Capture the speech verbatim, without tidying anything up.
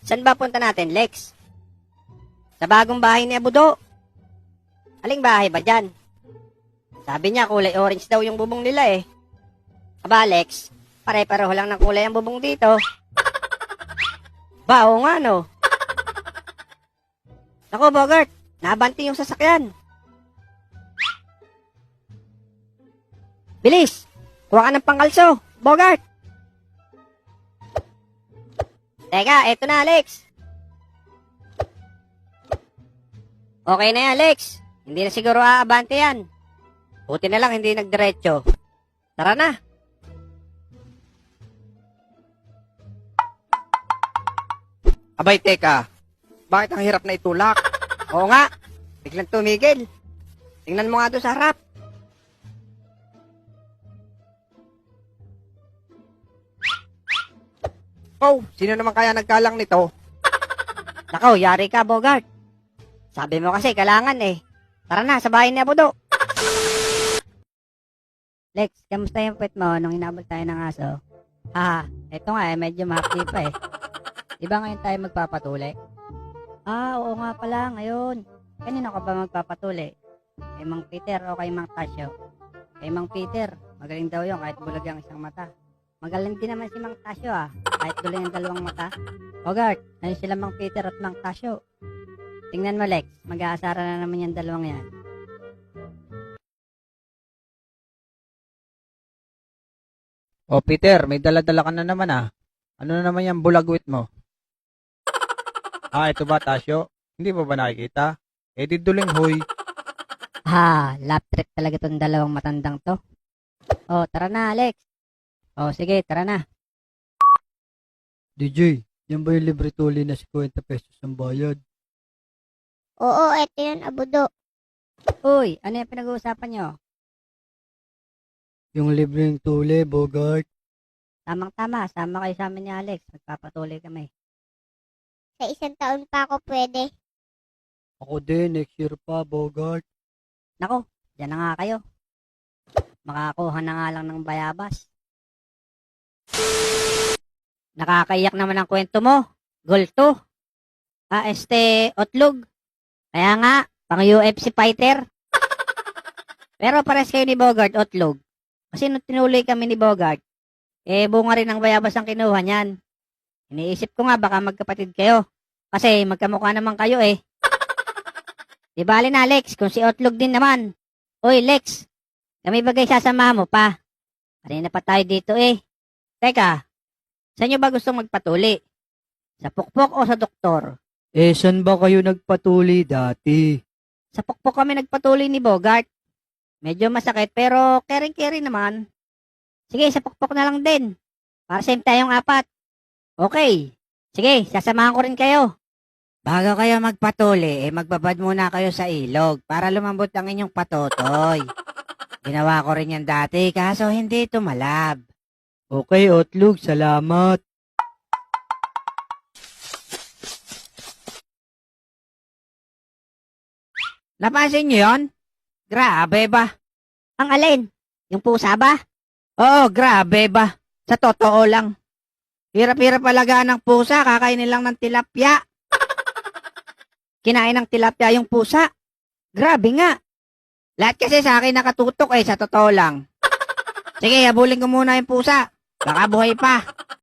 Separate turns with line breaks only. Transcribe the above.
Saan ba punta natin, Lex? Sa bagong bahay ni Abudo. Aling bahay ba dyan? Sabi niya kulay orange daw yung bubong nila eh. Aba, Lex, pare-pareho lang ng kulay ang bubong dito. Ba, oo nga no. Naku, Bogart, nabanti yung sasakyan. Bilis, kuha ka ng pangkalso, Bogart. Teka, eto na, Alex. Okay na yan, Alex. Hindi na siguro aabante yan. Buti na lang hindi nagdiretso. Tara na.
Abay, teka. Bakit ang hirap na itulak?
Oo nga, biglang tumigil. Tingnan mo nga doon sa harap.
Oh, sino naman kaya nagkalang nito?
Nako, yari ka, Bogart. Sabi mo kasi, kailangan eh. Tara na, sa bahay ni Abudo. Lex, kamusta yung pet mo nung inabot tayo ng aso? Ah, eto nga eh, medyo mahapdi pa eh. Di ba ngayon tayo magpapatuli? Ah, oo nga pala, ngayon. Kanino ka ba magpapatuli? Kay Mang Peter o kay Mang Tasyo? Kay Mang Peter, magaling daw yun kahit bulag ang isang mata. Magaling din naman si Mang Tasyo ah, kahit duling ang dalawang mata. Bogart, ayun sila Mang Peter at Mang Tasyo. Tingnan mo, Lex, mag-aasara na naman yung dalawang yan.
Oh, Peter, may dala-dala ka na naman ah. Ano na naman yung bulagwit mo? Ah, ito ba, Tasyo? Hindi mo ba nakikita? Eh, di duling hoy.
Ha, lap trip talaga tong dalawang matandang to. Oh, tara na, Alex. Oh, sige, tara na.
D J, yan ba yung libre tuli na fifty pesos ang bayad?
Oo, eto yun, Abudo.
Uy, ano yung pinag-uusapan nyo?
Yung libreng tuli, Bogart.
Tamang-tama, sama kayo sa amin ni Alex. Magpapatuloy kami.
Sa isang taon pa ako pwede.
Ako din, next year pa, Bogart.
Nako, dyan na nga kayo. Makakuha na nga lang ng bayabas. Nakakaiyak naman ang kwento mo. Gulto. Ah, este, otlog. Kaya nga, pang U F C fighter. Pero pares kayo ni Bogart, otlog. Kasi nung tinuloy kami ni Bogart, eh bunga rin ang bayabas ang kinuha niyan. Iniisip ko nga baka magkapatid kayo. Kasi magkamukha naman kayo eh. Di bali na, Lex, kung si Otlog din naman. Uy, Lex, kami bagay sasama mo pa. Kanina pa tayo dito eh. Teka, saan nyo ba gustong magpatuli? Sa pukpok o sa doktor?
Eh, saan ba kayo nagpatuli dati?
Sa pukpok kami nagpatuli ni Bogart. Medyo masakit pero caring-caring naman. Sige, sa pukpok na lang din. Para same tayong apat. Okay. Sige, sasamahan ko rin kayo. Bago kayo magpatuli, eh magbabad muna kayo sa ilog para lumambot ang inyong patotoy. Ginawa ko rin yan dati kaso hindi tumalab.
Okay, Otlog, salamat.
Napansin nyo yun? Grabe ba? Ang alin? Yung pusa ba? Oo, grabe ba? Sa totoo lang. Hirap-hirap alagaan ng pusa, kakainin lang ng tilapia. Kinain ng tilapia yung pusa. Grabe nga. Lahat kasi sa akin nakatutok eh, sa totoo lang. Sige, habulin ko muna yung pusa. Baka buhay pa.